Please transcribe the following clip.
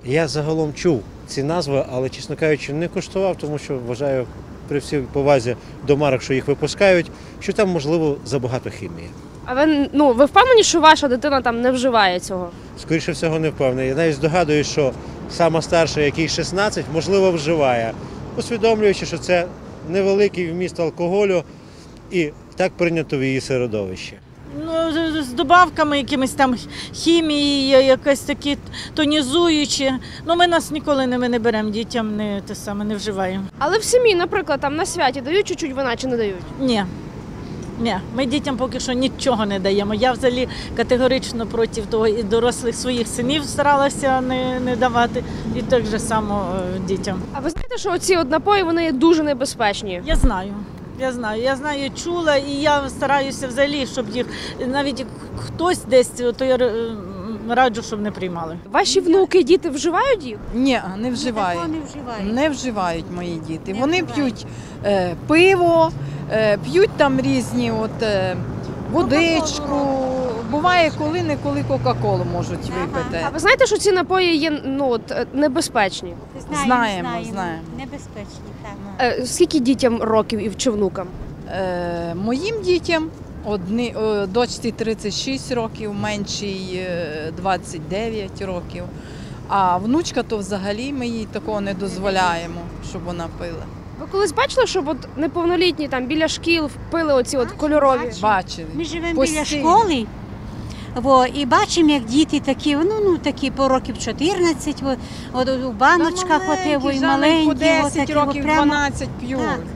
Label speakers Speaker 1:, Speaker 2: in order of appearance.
Speaker 1: Я загалом чув ці назви, але, чесно кажучи, не куштував, тому що вважаю, при всій повазі до марок, що їх випускають, що там, можливо, забагато хімії.
Speaker 2: А ви впевнені, що ваша дитина там не вживає цього?
Speaker 1: Скоріше всього, не впевнений. Я навіть здогадуюсь, що сама старша, якій 16, можливо, вживає, усвідомлюючи, що це невеликий вміст алкоголю і так прийнято в її середовищі.
Speaker 3: Ну, з добавками якимись там хімії, якось такі тонізуючі. Ну, ми нас ніколи ми не беремо дітям, не вживаємо.
Speaker 2: Але в сім'ї, наприклад, там на святі дають чуть-чуть вина чи не дають?
Speaker 3: Ні. Ні, ми дітям поки що нічого не даємо. Я взагалі категорично проти того і дорослих своїх синів старалася не давати, і так же само дітям.
Speaker 2: А ви знаєте, що оці напої, вони є дуже небезпечні?
Speaker 3: Я знаю, чула, і я стараюся взагалі, щоб їх, навіть хтось десь, то я раджу, щоб не приймали.
Speaker 2: Ваші внуки, діти вживають їх?
Speaker 4: Ні, не вживають. Не вживають мої діти. Вони п'ють пиво, п'ють там різні водичку. Буває, коли-неколи Кока-Колу можуть випити.
Speaker 2: А ви знаєте, що ці напої є небезпечні?
Speaker 4: Знаємо.
Speaker 5: Небезпечні, так.
Speaker 2: Скільки дітям років і чи внукам?
Speaker 4: Моїм дітям дочці 36 років, меншій 29 років. А внучка то взагалі ми їй такого не дозволяємо, щоб вона пила.
Speaker 2: Ви колись бачили, щоб неповнолітні там біля шкіл пили оці кольорові?
Speaker 4: Бачили.
Speaker 5: Ми живемо біля школи, і бачимо, як діти такі, такі по років 14, у баночках, і маленькі.
Speaker 4: По 10 років, 12 п'ють.
Speaker 5: Так.